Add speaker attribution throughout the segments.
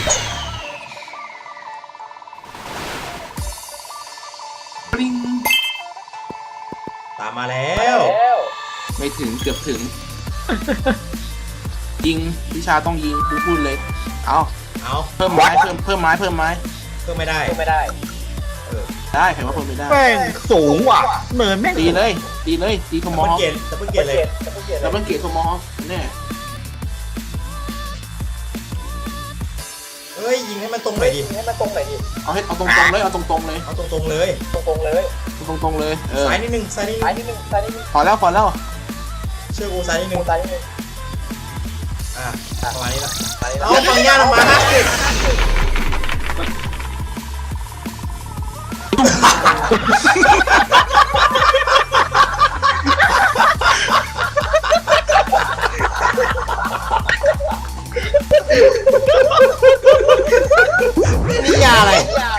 Speaker 1: ปริง
Speaker 2: ตามมาแล้ว
Speaker 1: ไม่ถึงเกือบถึง ยิงวิชาต้องยิงกูพูดเลยเอาเพิ่มไม้เพิ่มไม้เพิ่มไม้
Speaker 2: เพิ่มไม่ได้
Speaker 1: ได้ใครว่าเพิ่มไม่ได้
Speaker 3: แม่งสูงว่ะเนินแม่ง
Speaker 1: ตีเลยตีโทมอ
Speaker 2: ดับ
Speaker 1: ฮ
Speaker 2: เบิ
Speaker 1: อ
Speaker 2: ล
Speaker 1: ค
Speaker 2: เกตเลย
Speaker 1: ดับเบิลเกตโทมอฮอคแน่
Speaker 2: เฮ้ยยิงให้มันตรงหน่อยดิ
Speaker 1: เอาตรงๆเลยเอาตรงๆเลย
Speaker 2: เอาตรงๆเลย
Speaker 1: ตรงๆเลย
Speaker 2: ซ้ายนิดนึง
Speaker 1: พอแล้ว
Speaker 2: เชื่อกูซ้ายนิดนึงประมาณนี้ละเอาปังย่าลงมานี่ยาอะไร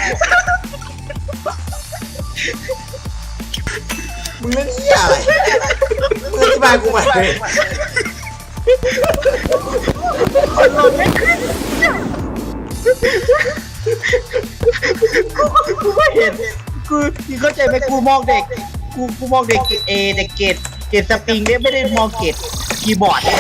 Speaker 2: มึงเล่นนี่ยาอะไรมึงอธิบายกูใหม่เลย
Speaker 3: กูไม่เห็นกูเข้าใจไหมกูมองเด็กกูมองเด็กเด็กเกรดสปริงเนี่ยไม่ได้มองเกรดคีย์บอร์ดเนี่ย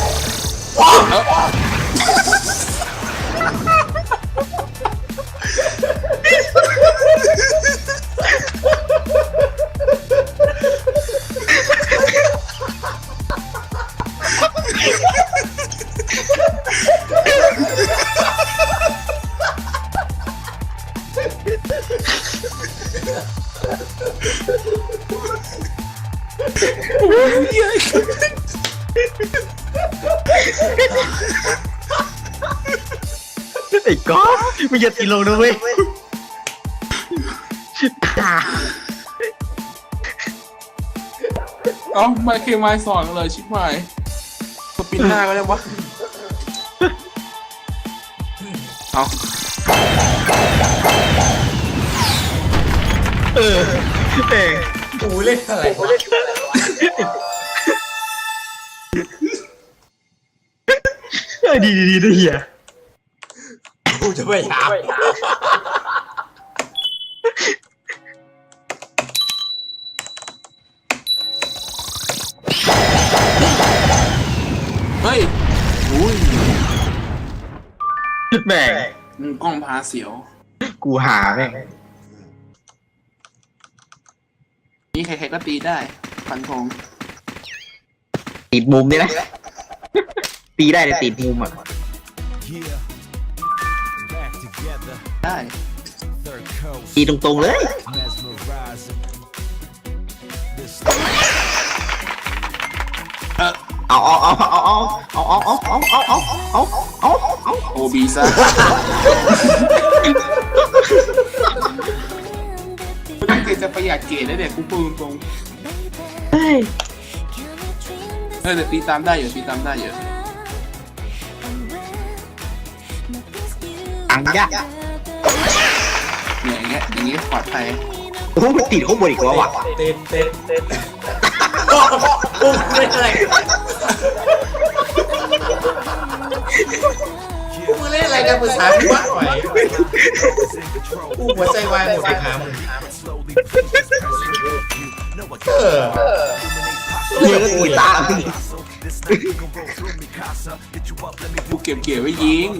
Speaker 3: ไอ้ก๊อฟมึงอย่าตีลงนะเว้ย
Speaker 1: เอาไม่เคมายสอนเลยชิบหายสปินหน้าก็ได้วะเอา
Speaker 2: กูเล่นอะไรวะ
Speaker 3: ดีนะเฮีย
Speaker 2: กูจะพยายาม
Speaker 1: เฮ้ยอุ้ย
Speaker 3: แม่ง
Speaker 1: กล้องพาเสียว
Speaker 3: กูหาแม่ง
Speaker 1: นี่ใครๆก็ตีได้ฟันธง
Speaker 3: ติดมุมนี่นะตีได้แต่ติดมุมอ่ะ
Speaker 1: ได้
Speaker 3: ตีตรงๆเลยเอา
Speaker 1: โอบีซ่ากูตั้งใจจะประหยัดเกรดแล้วเด็กกูพูดตรงๆเดี๋ยวตีตามได้อยู่ตีตามได้อยู่
Speaker 3: อังยะ
Speaker 1: เนี่ยอย่างเงี้ยปลอดภัย
Speaker 3: โอ้มันติดข้างบนอีกแล้วว่ะ
Speaker 2: เต้นกูเล่นอะไรกูมึงเล่นอะไรกันภาษากูวะหน่อยกูหัวใจวายหมดไปหามึง
Speaker 3: เฮียก็ตีตาม
Speaker 1: กูเก็บเกี่ยวไว้ยิง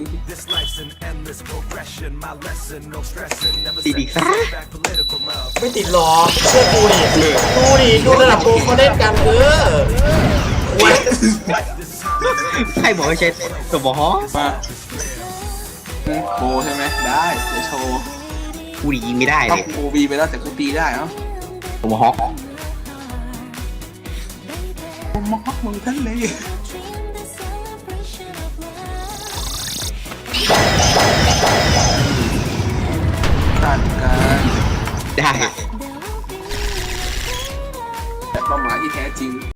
Speaker 3: ตีดีซะ
Speaker 2: ไม่ติดหรอกเชื่อกูดิดูระดับโปรเขาเล่นกัน
Speaker 3: ให้บอกให้ใช้ตัวบอส
Speaker 1: มาโบใช่ไหมได้เดี๋ยวโชว์
Speaker 3: กูยิงไม่ได้เล
Speaker 1: ต้อง
Speaker 3: ย
Speaker 1: โอบีไปแล้วแต่กูตีได้เอ้า
Speaker 3: ตัวบอส
Speaker 1: ผมมอกมึงท่านเลยตัดกัน
Speaker 3: ได้
Speaker 1: แต่เป้าหมายที่แท้จริง